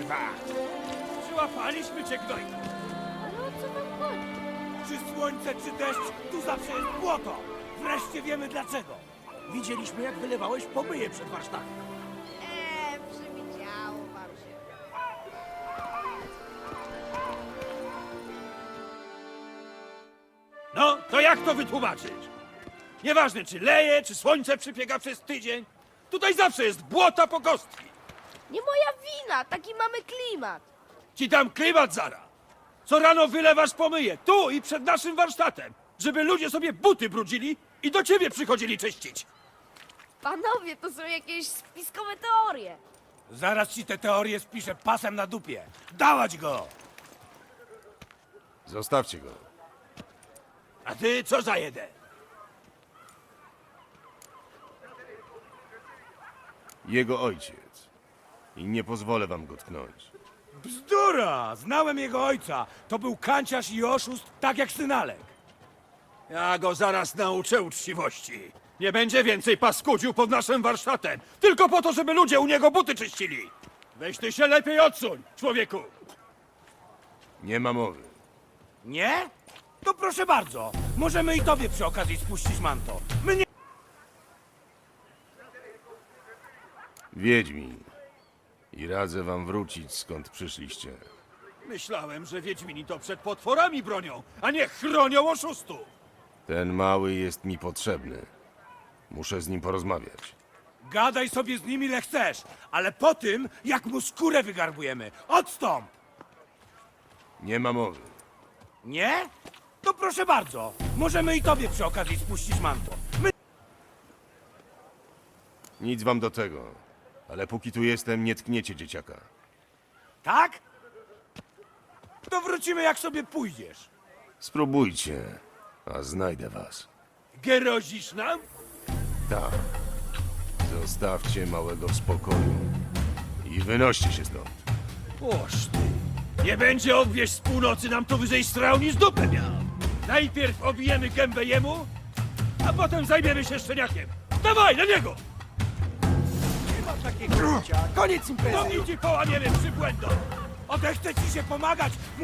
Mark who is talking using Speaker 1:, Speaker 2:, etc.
Speaker 1: kurwa! Przyłapaliśmy cię, gnojku!
Speaker 2: Ale o co wam chodzi?
Speaker 1: Czy słońce, czy deszcz, tu zawsze jest błoto! Wreszcie wiemy dlaczego! Widzieliśmy, jak wylewałeś pomyje przed warsztatem.
Speaker 2: Przywidziało wam się.
Speaker 1: No, to jak to wytłumaczyć? Nieważne, czy leje, czy słońce przypiega przez tydzień. Tutaj zawsze jest błota po kostki.
Speaker 2: Nie moja wina, taki mamy klimat.
Speaker 1: Ci dam klimat zara. Co rano wylewasz pomyje, tu i przed naszym warsztatem, żeby ludzie sobie buty brudzili i do ciebie przychodzili czyścić.
Speaker 2: Panowie, to są jakieś spiskowe teorie.
Speaker 1: Zaraz ci te teorie spiszę pasem na dupie. Dałać go!
Speaker 3: Zostawcie go.
Speaker 1: A ty co za jeden?
Speaker 3: Jego ojciec. I nie pozwolę wam go tknąć.
Speaker 1: Bzdura! Znałem jego ojca. To był kanciarz i oszust, tak jak synalek. Ja go zaraz nauczę uczciwości. Nie będzie więcej paskudził pod naszym warsztatem. Tylko po to, żeby ludzie u niego buty czyścili. Weź ty się lepiej odsuń, człowieku.
Speaker 3: Nie ma mowy.
Speaker 1: Nie? To proszę bardzo. Możemy i tobie przy okazji spuścić manto. My nie...
Speaker 3: Wiedźmin. I radzę wam wrócić, skąd przyszliście.
Speaker 1: Myślałem, że Wiedźmini to przed potworami bronią, a nie chronią oszustów.
Speaker 3: Ten mały jest mi potrzebny. Muszę z nim porozmawiać.
Speaker 1: Gadaj sobie z nim ile chcesz, ale po tym, jak mu skórę wygarbujemy. Odstąp!
Speaker 3: Nie ma mowy.
Speaker 1: Nie? To proszę bardzo. Możemy i tobie przy okazji spuścić manto. My...
Speaker 3: Nic wam do tego. Ale póki tu jestem, nie tkniecie dzieciaka.
Speaker 1: Tak? To wrócimy jak sobie pójdziesz.
Speaker 3: Spróbujcie, a znajdę was.
Speaker 1: Gerozisz nam?
Speaker 3: Tak. Zostawcie małego w spokoju. I wynoście się stąd.
Speaker 1: Oż ty. Nie będzie obwieść z północy nam tu wyżej strał niż dupę miał. Najpierw obijemy gębę jemu, a potem zajmiemy się szczeniakiem. Dawaj, na niego!
Speaker 4: Nie ma takiego życia. Koniec imprezy.
Speaker 1: No i ci połamiemy przybłędą. Odechce ci się pomagać.